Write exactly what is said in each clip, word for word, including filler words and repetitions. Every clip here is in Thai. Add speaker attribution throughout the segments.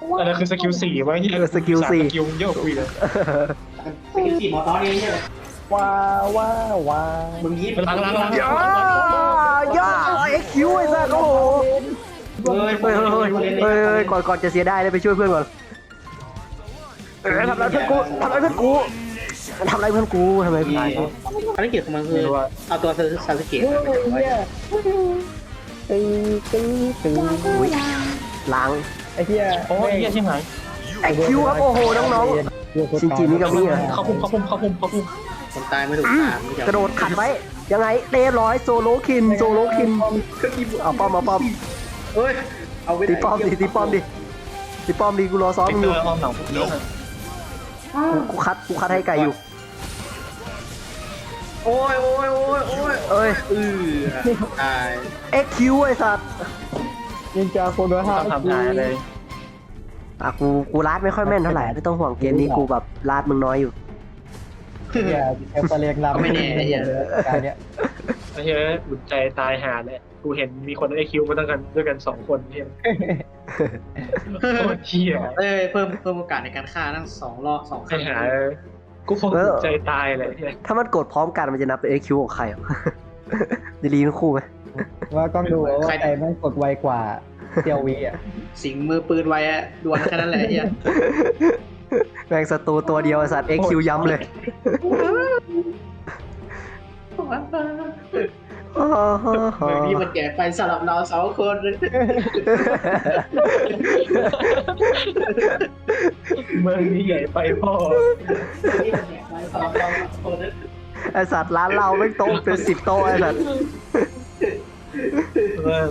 Speaker 1: อันนั้นคือสกิลสี่วะเฮีย
Speaker 2: เออสกิลสี่
Speaker 1: สกิลเยอะคุยเลย
Speaker 3: สกิลสี่หมอตอนนี้ใช่ไหม
Speaker 4: ว้าวว้าวว้าว
Speaker 3: มึงยิบ
Speaker 1: ล้างล้างล้าง
Speaker 2: ย่าย่าเอ็กคิวไอ้สัสโอ้โห
Speaker 3: เฮ้ย
Speaker 2: เฮ้ยเฮ้ยเฮ้ยเฮ้ยเฮ้ยก่อนก่อนจะเสียได้เลยไปช่วยเพื่อนก่อนเออทำอะไรเพื่อนกูทำอะไรเพื่อนกูทำอะไรเพื่อนกูทำไมตาย
Speaker 3: ภารกิจของมันคือเอาตัวซาสึเกะ
Speaker 4: เนี่ยตึงตึงตึง
Speaker 2: อุ้ยล้าง
Speaker 4: ไอ้เหี้ย
Speaker 1: โอ้ยเฮียใช่ไหม
Speaker 2: เอ็กคิวครับโอ้โหน้องๆชินจิมิกามิอ่ะ
Speaker 1: เข้าพุ่มเข้าพุ่มเข้าพุ่มเข้าพุ่ม
Speaker 3: คนตายไม่ถูกตาม
Speaker 2: กระโดดขัดไว้ยังไงเรียบร้อยโซโลคินโซโลคินเอาป้อมเอาป้อม
Speaker 3: เฮ้ยเอาไป
Speaker 2: ตีป้อมดิตีป้อมดิตีป้อมดิกูรอซ้อม
Speaker 1: เอ็ก
Speaker 2: มึง
Speaker 1: เต
Speaker 2: อ
Speaker 1: อยู่ ร์อ้อมหลังพวกนี้
Speaker 2: กูคัดกูคัดให้ไก่อยู่
Speaker 3: โอ้ยโอ้ยโอ้ยโอ้ย
Speaker 2: เอ้ย
Speaker 3: เออตาย
Speaker 2: เอ็กคิวไอ้สัตว์
Speaker 4: นินจาโคโนฮา
Speaker 1: ทำทำทายเลย
Speaker 2: อ่ะกูกูลาดไม่ค่อยแม่นเท่าไหร่ไม่ต้องห่วงเกมนี้กูแบบลาดมึงน้อยอยู่
Speaker 4: เนี่ยเอฟเฟเรียงลำการเนี้ย
Speaker 1: ไอ้เฮียอุ่นใจตายหาเลยกูเห็นมีคนไอคิวมาตั้งกันด้วยกันสองคนเฮียโคตรเฮีย
Speaker 3: เอ้ยเพิ่มเพิ่มโอกาสในการฆ่าทั้งสองรอบสองค
Speaker 1: ใคร
Speaker 3: รั้ง
Speaker 1: หากูคงอุ่นใจตายเลยเฮีย
Speaker 2: ถ้ามันกดพร้อมกันมันจะนับเป็น เอ็ก คิว ของใครอ่ะ ดีลีทั้งคู่ไหม
Speaker 4: ว่าต้องดูว่าใครแม่งกดไวกว่าเตียววีอ่ะ
Speaker 3: สิงมือปืนไว้อะดวลแค่นั้นแหละไอ้เฮีย
Speaker 2: แม่งศัตรูตัวเดียวไอ้สัตว์ เอ็ก คิว ย้ำเลย
Speaker 3: เมืองนี้มันแก่ไปสำหรับเราสองคน
Speaker 1: เมืองนี้ใหญ่ไปพ่อ
Speaker 3: นี่มันแก่ไปสำหรับเราสองคน
Speaker 2: ไอ้สัตว์ร้านเราไม่งโต๊ะเป็นสิบโต๊ะไอ้สัตว์
Speaker 1: เมือง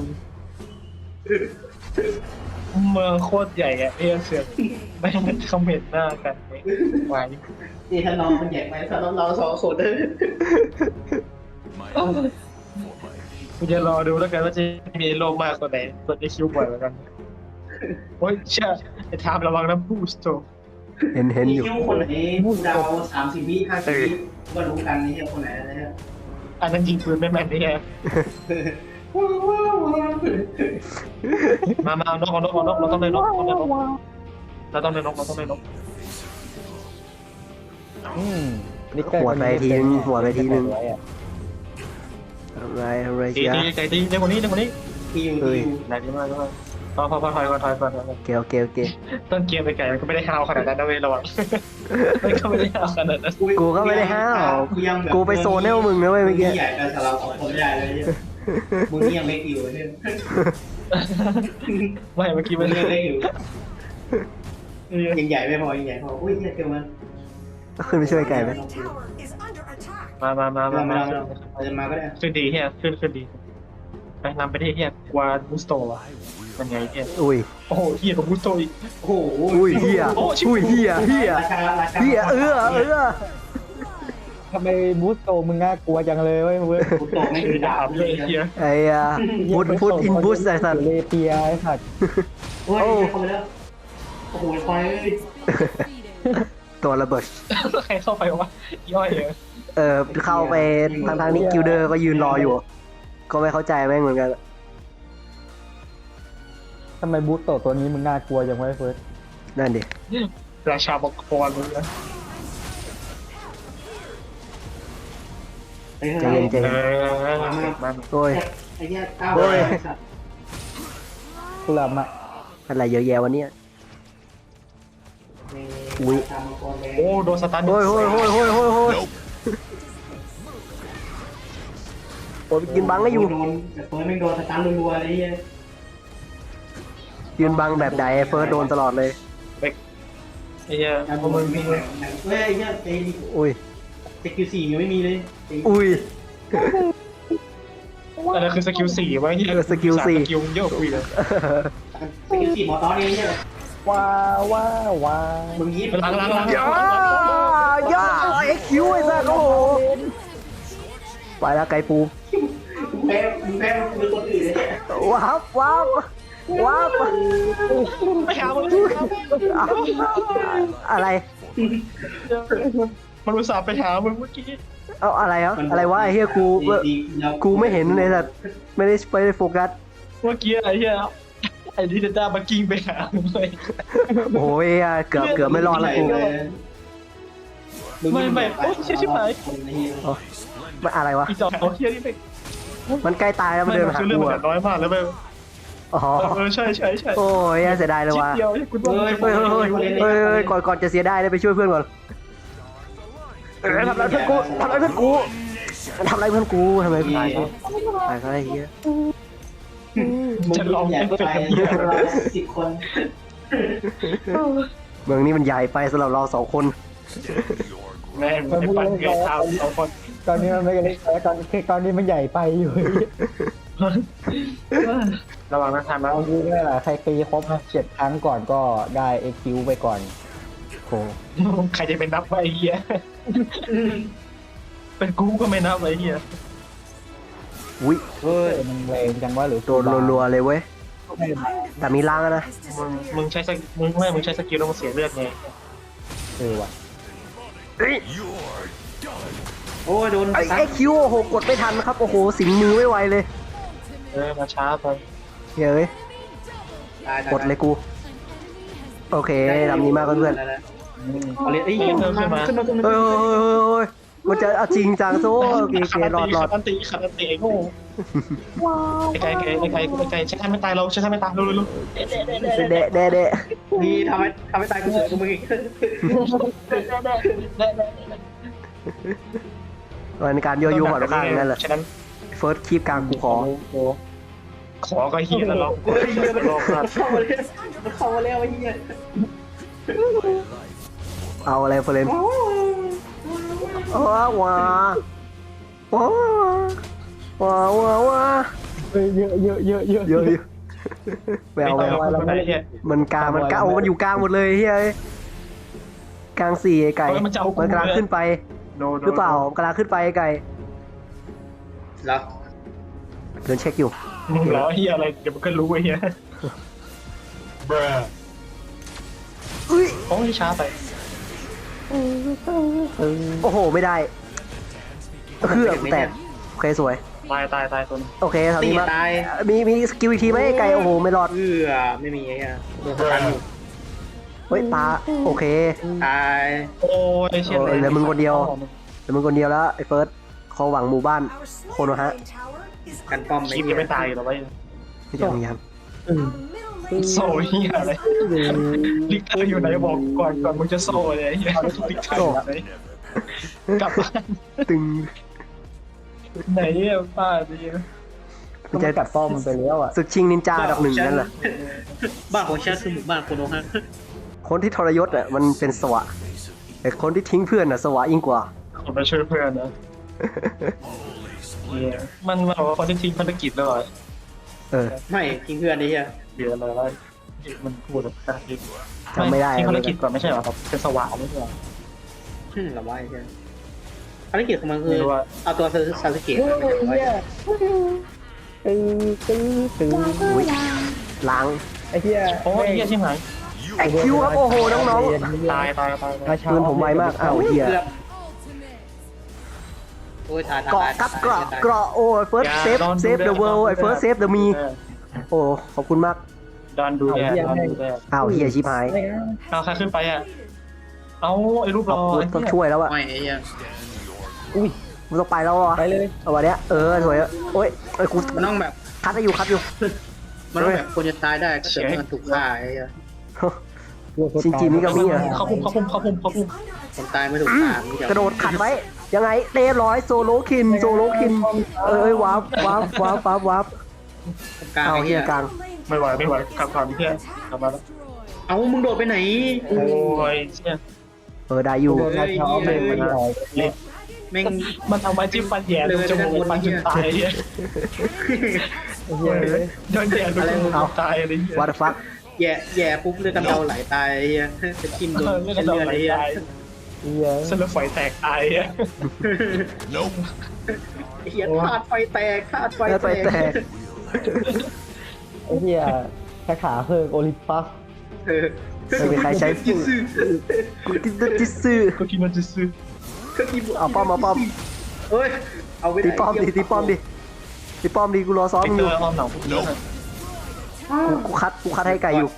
Speaker 1: เมืองโคตรใหญ่อะเฮียเสือกไม่มันคอมเมนต์หน้ากันไว้
Speaker 3: นี่ถ้าน้องมันแก่ไปสำหรับเราสองคน
Speaker 1: กูจะรอดูแล้วกันว่าจะมีโลมากกว่าไหนกดไอคิวบ่อยกว่ากันโอ้ยเชื่อไอ้ทามระวังน้ำบูสโต
Speaker 2: เห็นเห็นอยู่
Speaker 3: คิวคนไหนดาวสามสิบวิห้าสิบวิก็รู้กันนี่คนไหนนะฮะ
Speaker 1: อันนั้นยิงปืนไม่แม่นนี่ไงมามาเอานกเอานกเอานกเราต้องได้นกต้องได้นกเราต้องได้นกเราต้องได้นก
Speaker 4: อืม
Speaker 2: หัวไปทีนึงหัวไปทีนึงอะไรอะไร
Speaker 1: ตี
Speaker 2: เชีย
Speaker 1: ตีใจตีเด็กคนนี้เด็กคนนี้
Speaker 3: ที่อยู่
Speaker 2: เฮ้ย
Speaker 3: ที่อยู่
Speaker 1: ไหนดีมากดีมากพอพอพอถอยก่อนถอยก่อน
Speaker 2: โอเคโอเคโอเค
Speaker 1: ต้นเกมไปไก่มันก็ไม่ได้ฮาวขนาดนั้นนะเว้ยระวังมันก็ไม่ได้ฮาวขนาดนั้น
Speaker 2: กูก็ไม่ได้ห้าว
Speaker 3: ยังแบบ
Speaker 2: กูไปโซนให้พวกมึงนะเว้ยเมื่อกี้
Speaker 3: ใหญ่แต่เราสองคนใหญ่เลยเนี่ยมึงนี่ยังเล็กอยู่เนี่ย
Speaker 1: ไม่เมื่อกี้
Speaker 3: มึ
Speaker 1: มั
Speaker 3: ง
Speaker 1: น
Speaker 3: ยังเล็กอยู่ยังใหญ่ไม่พอยังใหญ่พออุ้ยเนี่ยเกินมัน
Speaker 2: ขึ้นไปช่วยไก่ไหม
Speaker 1: มามามามา
Speaker 3: มา
Speaker 1: มา
Speaker 3: มาเราจะมาก็ได้
Speaker 1: ขึ้นดีเฮียขึ้นขึ้นดีไปนำไปที่เฮียกวาบูสโตวะเป็นไงเฮีย
Speaker 2: อุ้ย
Speaker 1: โอ้โหเฮียกับบูสโตอีก
Speaker 3: โอ้โห
Speaker 2: อุ้ยเฮียอุ้ยเฮียเฮีย
Speaker 3: ราคาราคา
Speaker 2: เฮียเออเออ
Speaker 4: ทำไมบูสโตมึงน่ากลัวจังเลยเว้ยเว้ย
Speaker 3: กูโตไม่
Speaker 1: คื
Speaker 3: คือ อ
Speaker 1: ดา
Speaker 3: ดา
Speaker 1: บบ เลยเฮีย
Speaker 2: ไอ้อะพุทพุทอินบุสไอ้สัตว์
Speaker 4: เลเปียไอ้สัตว์
Speaker 3: โอ้ยเข้าไปแล้วโอ้โหไฟ
Speaker 2: ตัวระเบิด
Speaker 1: ใครเข้าไปวะย่อยเลย
Speaker 2: เออเข้าไปทางทางนี้กิลเดอร์ก็ยืนรออยู่ ก็ไม่เข้าใจแม่งเหมือนกัน
Speaker 4: ทำไมบูสโตตัวนี้มึงน่ากลัวจังวะเฟิร์ส
Speaker 2: นั่นดิ
Speaker 1: ราชาบกคอนเลยนะ
Speaker 2: ใจเย็นใจ
Speaker 1: เอ
Speaker 2: เย็น
Speaker 1: อมา
Speaker 2: โอ้ย
Speaker 3: ไอ้เนี่ยก้าว
Speaker 4: กูหลับอ่ะ
Speaker 2: อะไรเยอะแยะวันนี้ อุ้ย
Speaker 1: โอ้โดนสตาร์ท
Speaker 2: โอ้ยโอ้ยโอ้ยโอ้ยโอ้ยโอ้ยโอ้ยยืนบังก็อยู่
Speaker 3: โดนแต่เฟิร์สไม่โดนสตาร์ทรัวๆอะไรเงี้ย
Speaker 2: ยืนบังแบบใดเฟิร์สโดนตลอดเลย
Speaker 1: ไอ้เฮีย
Speaker 3: การ
Speaker 1: พ
Speaker 3: บ
Speaker 1: ว
Speaker 3: อก ก
Speaker 1: มึ
Speaker 3: มึ
Speaker 1: ง
Speaker 3: ง
Speaker 1: มี
Speaker 3: มีเฮ้ยไอ้เนี่ยเตะ
Speaker 2: อุ้ย
Speaker 3: สกิลสี่ยังไม่มีเลย
Speaker 2: อุ้ย
Speaker 1: อันนั้นคือสกิลสี่วะเฮีย
Speaker 2: เออสกิลสี่
Speaker 1: สกิลเยอะคุยเลย
Speaker 3: สกิลสี่หมอตอนนี้ใช่ไหม
Speaker 4: ว้าวว้าวว้าว
Speaker 3: มึงยิบ
Speaker 1: ล้างล้างล้าง
Speaker 2: ย่าย่าเอ็กคิวไอ้สัสโอ้โหไปแล้วไก่ปู
Speaker 3: มึงแพ้มึงแพ้มึงคนอื่นเลย
Speaker 2: ว้าวว้าวว้าว
Speaker 1: ไปหามัน
Speaker 2: อะไร
Speaker 1: มันอุตส่าห์ไปหามึงเมื่อกี้
Speaker 2: เอาอะไรเหรออะไรวะไอ้เฮียกูกูไม่เห็นเลยสัสไม่ได้ไปโฟกัส
Speaker 1: เมื่อกี้ไอ้เฮียไอ้ดิเดต้ามากิ้งไปหาเลย
Speaker 2: โอ้ยเกือบเกือบไม่รอดละกู
Speaker 1: ไม่ไม่โอ้เชี่ยชิบหาย
Speaker 2: มันอะไรวะ
Speaker 1: อีจอเขาเชี่ยนี่ไป
Speaker 2: มันใกล้ตายแล้วมัน
Speaker 1: ไม่
Speaker 2: เดิน
Speaker 1: มัน
Speaker 2: มาหา
Speaker 1: คือเรื่อง
Speaker 2: กู
Speaker 1: มัน
Speaker 2: อะ
Speaker 1: น้อยมากแล้วไป
Speaker 2: อ๋อ
Speaker 1: เออใช่ใช่ใช่
Speaker 2: โอ้ยเสียดายเลย
Speaker 1: ชิด
Speaker 2: ว่ะ
Speaker 1: เดียวคุณว่า
Speaker 2: เฮ้ยเฮ้ยเฮ้ยเฮ้ยเฮ้ยก่อนก่อนจะเสียได้เลยไปช่วยเพื่อนก่อนเออทำอะไรเพื่อนกูทำอะไรเพื่อนกูทำอะไรเพื่อนกูทำไมตายตายก็ไอ้เหี้ย
Speaker 1: จะลอง
Speaker 3: ใหญ่
Speaker 1: เอฟเฟ
Speaker 3: ไป
Speaker 1: กต์กับเหี้ย
Speaker 3: เราสิบคน
Speaker 2: เมืองนี้มันใหญ่ไปสำหรับเราสองคน
Speaker 1: แม่งไปปั่นเกยเท้าสองคน
Speaker 4: ตอนนี้มันไม่เล็กแล้วตอนตอนนี้มันใหญ่ไปอยู่
Speaker 1: ระวังนะทำนะ
Speaker 4: เอาดูนี่แหละใครตีครบเจ็ดครั้งก่อนก็ได้เอ็กคิวไปก่อนโอ้
Speaker 1: ใครจะเป็นนับไอ้เหี้ยเป็นกูก็ไม่นับไอ้เหี้ย
Speaker 2: อุ้ย
Speaker 4: เฮ้ยมันแรงจังว่าหรือ
Speaker 2: โดนรัวๆเลยเว้ยแต่มีล้างอะนะ
Speaker 1: มึงมึงใช้สกิมึงไม่มึงใช้สกิลแล้วมึงเสียเลือดไง
Speaker 4: เออว่ะ
Speaker 2: เอ้ย
Speaker 3: โอ้ยโดน
Speaker 2: ไอ้ไอ้คิวโอ้โหกดไม่ทันครับโอ้โหสิงมือไม่ไหวเลย
Speaker 1: เออมาช้าไป
Speaker 2: เฮ้ยกดเลยกูโอเคทำนี้มากเพื่อน
Speaker 3: เอาเลยเอ้ยขึ้นมาขึ้นมาขึ้นมา
Speaker 2: ๆเฮ้ยเฮ้ยเฮ้ยเฮ้ยมันจะเอาจริงจังโซ่โอเคโอเครอดรอด
Speaker 1: ขันตีขันตีไอ้โง่ไอ้ไก่ไก่ไอ้ไก่ไอ้ไก่ใช้ท่าไม่ตายเราใช้ท่าไม่ตายเร็วเร็วเร็ว
Speaker 2: เดะเดะเดะ
Speaker 3: นี่ทำให้ทำให้ตายกูเสือกูมึงอีก
Speaker 2: มันการโยโย่หัวข้างนั่นแหละ
Speaker 1: ฉะนั้น
Speaker 2: เฟิร์สคีบกลางกูขอ
Speaker 1: ขอก็เฮียแล้วลอง
Speaker 3: เฮ้ยเฮียมันเข้ามาแล้วมันเข้ามาแล้วไอ้เฮีย
Speaker 2: เอาอะไรเฟรนว้าว้าว้าว้าว้าว้า
Speaker 4: เฮ้ยเยอะเยอะเยอะเยอะ
Speaker 2: เยอะอยู่แววแวว
Speaker 1: ไม่ได้เฮีย
Speaker 2: มันกลางมันกลางโอ้มันอยู่กลางหมดเลยเฮ้ยกลางสี่ไอ้ไก่มันกลางขึ้นไปหรือเปล่ากลางขึ้นไปไอ้ไก่
Speaker 3: แล้ว
Speaker 2: เดินเช็คอยู่
Speaker 1: มึงเหรอเฮียอะไรเดี๋ยวมันก็รู้ไอ้เฮีย
Speaker 2: อุ้ย
Speaker 1: โอ้ยช้าไป
Speaker 2: โอ้โหไม่ได้คือแตกโอเคสวย
Speaker 1: ตายตายตายตัวนึง
Speaker 2: โอเคทำ
Speaker 3: ตี
Speaker 2: นี้มา
Speaker 3: ตาย
Speaker 2: มีมีสกิลอีกทีไหมไอ้ไก่โอ้โหไม่รอด
Speaker 3: เอื้อไม่มีไอ้เฮียโดนสตันอยู่
Speaker 2: เฮ้ยตาโอเค
Speaker 3: ตาย
Speaker 1: โอ้ยเชี่ย
Speaker 2: เออเหลือมึงคนเดียว แต่มึงคนเดียวแล้วไอ้เฟิร์สเขาหวังหมู่บ้านโคโนฮะ
Speaker 3: กันป้อม
Speaker 1: คลิปยังไม่ตายอยู่หรอวะ
Speaker 2: ยังยัง
Speaker 1: โซ่เฮียอะไรลิกเตอร์อยู่ไหนบอกก่อนก่อนมึงจะโซ่เลยเฮียลิกเตอร์อยู่ไหนกลับบ้าน
Speaker 2: ตึง
Speaker 1: ไหนเนี่ยป้าดี
Speaker 4: ก็มันกัดป้อมมันไปแล้วอ่ะ
Speaker 2: ศึกชิงนินจาอันดับหนึ่งนั่นแหละ
Speaker 3: บ้านของฉันคือหมู่บ้านโคโนฮะ
Speaker 2: คนที่ทรยศอ่ะมันเป็นสวะแต่คนที่ทิ้งเพื่อนอ่ะสวะยิ่งกว่า
Speaker 1: ผมไปช่วยเพื่อนนะเนี่ยมันมันบอกว่าคนที่ทิ้งภารกิจแล้วเหรอ
Speaker 2: เออ
Speaker 3: ไม่ทิ้งเพื่อนไอ้เฮีย
Speaker 1: เดี๋ยวอะไรวะมันพูดแบบ
Speaker 2: จำไม่ได้
Speaker 1: ทิ้งภารกิจก่อนไม่ใช่เหรอครับเป็นสว่างไม่ใช่เหรอ
Speaker 3: หึหรอวะไอ้เฮียภารกิจของมันคือ
Speaker 1: ไม่รู้ว่า
Speaker 3: เอาตัวซาสึเกะ
Speaker 4: ตื้อตื้อตื้อ
Speaker 2: อุ้ยล้าง
Speaker 4: ไอ้เหี้ย
Speaker 1: โอ้ยเฮียชิบหาย
Speaker 2: ไอคิวครับโอ้โหน้อง
Speaker 1: ตายตายตาย
Speaker 2: ๆปืนผมไวมากอ้าวเฮีย
Speaker 3: เกือบโอ้ยตายตาย
Speaker 2: เกาะ
Speaker 3: ตาย
Speaker 2: กับเกราะเกราะโอ้ยเฟิร์สเซฟเซฟเดอะเวิลด์ไอเฟิร์สเซฟเดอะมีโอ้ขอบคุณมาก
Speaker 1: ดอนดูแลดอนดูแล
Speaker 2: อ้าวเฮียชิบหาย
Speaker 1: เอาใครขึ้นไปอ่ะเอาไอ้รูปรอ
Speaker 2: ต้องช่วยแล้วอ่ะ
Speaker 3: ไม่ไอ้เหี้ย
Speaker 4: อุ้ย
Speaker 2: มึงต้องไปแล้วอ่ะ
Speaker 4: ไปเลย
Speaker 2: เอาวันเนี้ยเออสวยโอ้ยไอ้กู
Speaker 3: มันต้องแบบ
Speaker 2: คัดให้อยู่คัดอยู่
Speaker 3: มันต้องแบบคนจะตายได้ก็เกิดมันถูกฆ่าไอ้เหี้ย
Speaker 2: ชินจิมิกามิอ่ะ
Speaker 1: เขาพุ่มเขาพุ่มเขาพุ่มเขาพุ่ม
Speaker 3: คนตายไม่ถูกฆ่ามีแต่
Speaker 2: กระโดดขัดไว้ยังไงเรียบร้อยโซโลคินโซโลคินเอ้ยวับวับวับวับวับ
Speaker 3: กลาง
Speaker 2: เอา
Speaker 3: ไอ้
Speaker 2: เฮี
Speaker 3: เหี้
Speaker 2: ย
Speaker 3: ย
Speaker 2: กลาง
Speaker 1: ไม่ไหวไม่ไหวกลับก่อนเพื่อนกลับมาแล้ว
Speaker 3: เอามึงโดดไปไหน
Speaker 1: โอ้ยเชี่ย
Speaker 2: เออได้อยู่
Speaker 4: โดนมาเช้าเลยมันหน่อย
Speaker 3: แม่ง
Speaker 1: มันเอาไม้จิ้มฟันแย่ดูจมูกฟันจนตายเนี่ย
Speaker 4: ไอ้เหี้ยเลย
Speaker 1: โดนแย่ดูจมูกตายอะไรเงี้ย
Speaker 2: วัตฟัก
Speaker 3: แย่แย่ปุ๊บเลือดกำเดาไหลตายไอ้เหี้ยจะทิ่มโดน
Speaker 1: เลือด
Speaker 3: เส้น
Speaker 1: เรา
Speaker 3: เลือด
Speaker 1: ไหล
Speaker 3: ไอ้เหี้ย
Speaker 1: ตาย
Speaker 4: ไอ้เหี้ย
Speaker 1: เส้นเลือดฝอยแตกตายอ่ะ
Speaker 3: ไอ้เหี้ยธาตุไฟแตกธาตุไฟ
Speaker 2: แล้วไป
Speaker 3: แต
Speaker 2: แต
Speaker 3: ก
Speaker 2: ก
Speaker 4: ไอ้เหี้ยแค่ขาเพิงโอลิมปัส
Speaker 3: เออ
Speaker 2: ไม่มีใครใช้
Speaker 3: จิซึ
Speaker 2: กูติดจิซื้อ
Speaker 1: ก็คิดมันจะซื้อ
Speaker 2: เอาป้อมเอาป้อม
Speaker 3: เฮ้ยเอาไว้
Speaker 2: ตีป้อมดิตีป้อมดิตีป้อมดิกูรอซ้อม
Speaker 1: ไป
Speaker 2: มึง
Speaker 1: เจ
Speaker 2: อยู่
Speaker 1: ออ้อมหลังพวกนี้
Speaker 2: กูกูคัดกูคัดให้ไก่อยู่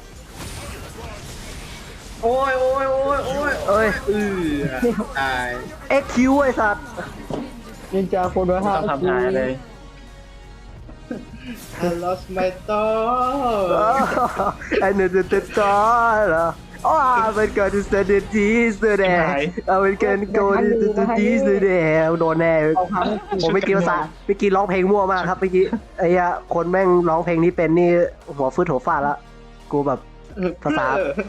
Speaker 3: โอ้ยโอ้ยโอ้ยโอ้ย
Speaker 2: เอ้ย
Speaker 3: เออตาย
Speaker 2: เอ็กคิวไอ้สัตว์
Speaker 4: นินจาคนละ
Speaker 1: ไม่
Speaker 4: ห้า
Speaker 1: ต้องทำทายเลย
Speaker 3: I lost my dog
Speaker 2: ไอ้เนื้อเต็มจอเหรออ๋อมันเกิดที่สเตดีสแดงเอาเป็นเกินโกนที่สแดงโดนแน่
Speaker 4: เอาครั้ง
Speaker 2: ผมไม่อกินภาษาเมื่อกี้ร้องเพลงมั่วมากครับเมื่อกี้ไอ้เหี้ยคนแม่งร้องเพลงนี้เป็นนี่หัวฟืดหัวฟาดละกูแบบภาษา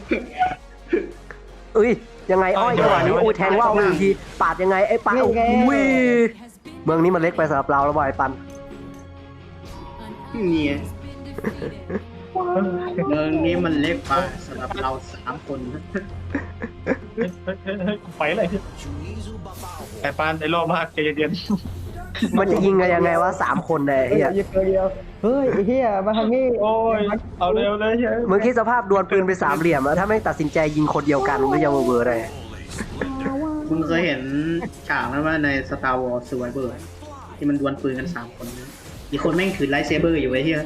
Speaker 2: เอ้ยยังไงอ้อยจังหวะนี้อุ้ยแทงว่าวไปอีกทีปาดยังไงไอ้ปาดอุ้ยเมืองนี้มันเล็กไปสำหรับเราแล้วบอยปัน
Speaker 3: เนี่ยเมืองนี้มันเล็กไปสำหรับเราสามคน
Speaker 1: เฮ้ยเฮ้ยเฮ้ยเฮ้ยไปอะไรไอ้ปานไอ้โลมากใจเย็น
Speaker 2: มันจะยิงกันยังไงวะสามคนเนี่ยไอ้
Speaker 4: เฮ้ย
Speaker 2: เหี้ย
Speaker 4: เดียวเดียวเฮ้ยไอ้เหี้ยมาทางนี้
Speaker 1: ๆโอ้ยเอาเร็วเลยเฮ้ย
Speaker 2: มึงคิดสภาพดวลปืนไปสามเหลี่ยมอะถ้าแม่งตัดสินใจยิงคนเดียวกันมันก็จะเวอร์ๆเลย
Speaker 3: มึงเคยเห็นฉากนั้นว่าใน Star Wars Survivor ที่มันดวลปืนกันสามคนนะอีกคนแม่งถือไลท์เซเบอร์อยู่ไอ้เหี้ย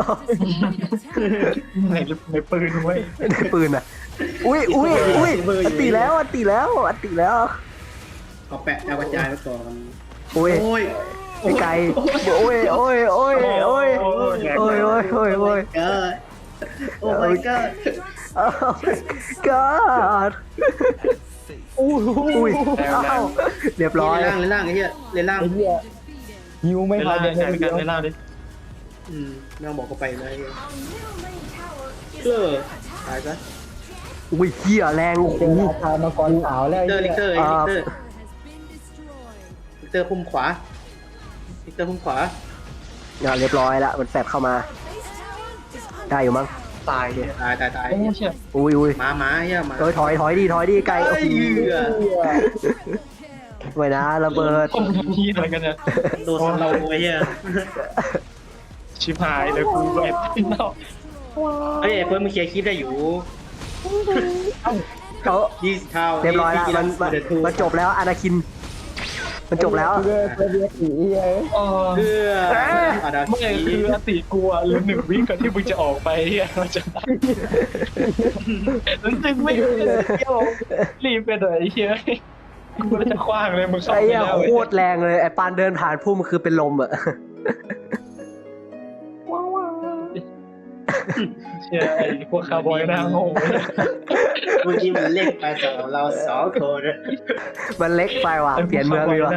Speaker 1: ในในปืนไว้ย
Speaker 2: ได้ปืนอะอุ้ยอุ้ยอุ้ยอันตีแล้วอันตีแล้วอันตีแล้ว
Speaker 3: เอาแปะเอากระจายไว้ก่อน
Speaker 2: อุ้ย
Speaker 3: โอ้ย
Speaker 2: ไอ้ไก่โอ้ยโอ้ยโอ้ยโอ้ยโอ้ยโอ้ยโอ้ยโอ้ยโอ้ย
Speaker 3: เกิดโอ้ my god
Speaker 2: โอ้ god
Speaker 4: อู้หู
Speaker 2: อุ้ยอ้าวเรียบร้อย
Speaker 3: เล่นล่างเล่นล่างไอ้เหี้ยเล่นล่าง
Speaker 4: ไอ้เหี้ยยิวไม่
Speaker 1: เว
Speaker 4: ทั
Speaker 1: ลาน
Speaker 4: เลย
Speaker 1: การ
Speaker 4: นะ
Speaker 1: การเวลาดิ
Speaker 3: อืมไม่ต้องบอกเขาไปเลยเออตายซะ
Speaker 2: อุ้ยเหี้ยแรงโอ้โห
Speaker 4: เจอราชามังกรขาวแล้ว
Speaker 3: ลิ
Speaker 4: ไอ้
Speaker 3: กเตอร์
Speaker 4: เหี้
Speaker 3: ลิ
Speaker 4: ย
Speaker 3: กเตอร์ไอ้ลิกเตอร์ลิกเตอร์พุ่มขวาลิกเตอร์พุ่มขวา
Speaker 2: อ่ะเรียบร้อยละมันแฝบเข้ามาได้อยู่มั้ง
Speaker 1: ตายเนี่ย
Speaker 3: ตายตายตาย
Speaker 1: โอ้เชี่ย
Speaker 2: อุ้ยอุ้ย
Speaker 3: หมาหมาเหี้ยหมา
Speaker 2: เอ้ยถอยถอยดีถอยดีไกลโอ้
Speaker 3: เอ้ย
Speaker 2: โห
Speaker 3: เหยื่อ
Speaker 2: ไว้นะระเบิด
Speaker 1: คนนี้อะไรกันเนี่ย
Speaker 3: โดนเราไอ้เหี้ย
Speaker 1: ชิบหายเลยกูแบบพี่น้อง
Speaker 3: เฮ้ยไอ้เฟิร์สมึงเคลียร์คลิปได้อยู่
Speaker 2: เขา
Speaker 3: ยี่สิบเท่า
Speaker 2: เรียบร้อยละมันมันมันจบแล้วอนาคิน มันจบแล้ว
Speaker 4: เลือดเลือดสีเหี้ย
Speaker 1: เออ
Speaker 3: เพื่ออาดา
Speaker 1: ไม่คืออติกลัวหรือหนึ่งวิก่อนที่มึงจะออกไปเฮียมันจะได้แล้วจึงไม่เที่ยวรีบไปเลยเฮียกูจะคว้างเลยมึงเข้า
Speaker 2: ไอ้
Speaker 1: ไป
Speaker 2: เหี้ย
Speaker 1: แล้ว
Speaker 2: โคตรแรงเลยไอ้ปานเดินผ่านพุ่มคือเป็นลมอะ
Speaker 1: เชี่ยไอ้พวกคาร์บอยหน้าโง่
Speaker 3: เมื่อกี้มันเล็กไปสำหรับเราสองคน
Speaker 2: มันเล็กไปว่ะเปลี่ยนเมืองดีกว่า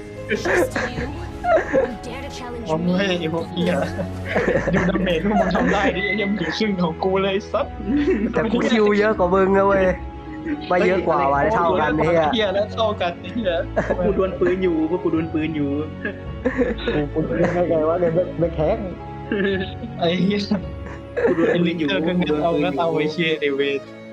Speaker 1: ผมไม่ไอ้พวกเฮียดูดาเมจที่มึงทำได้ดิยังถึงครึ่งของกูเลยซับ
Speaker 2: แต่กูคิวเยอะกว่ามึงนะเว้ยไม่เยอะกว่าว่ะได้เท่ากันเนี่ย
Speaker 1: เฮียแล้วเท่ากันเฮีย
Speaker 3: พวกกูดวลปืนอยู่พวกกูดวลปืนอยู่
Speaker 4: กูกูเล่นได้ไงวะเนี่ยไม่แข็ง
Speaker 1: ไอ้เฮีย
Speaker 3: กูดวล
Speaker 1: ไอ้
Speaker 3: ปื
Speaker 1: ลิ
Speaker 3: น
Speaker 1: ง
Speaker 3: อยู่
Speaker 1: เจอกันเอาก็เอาไอ้เชียไอเวท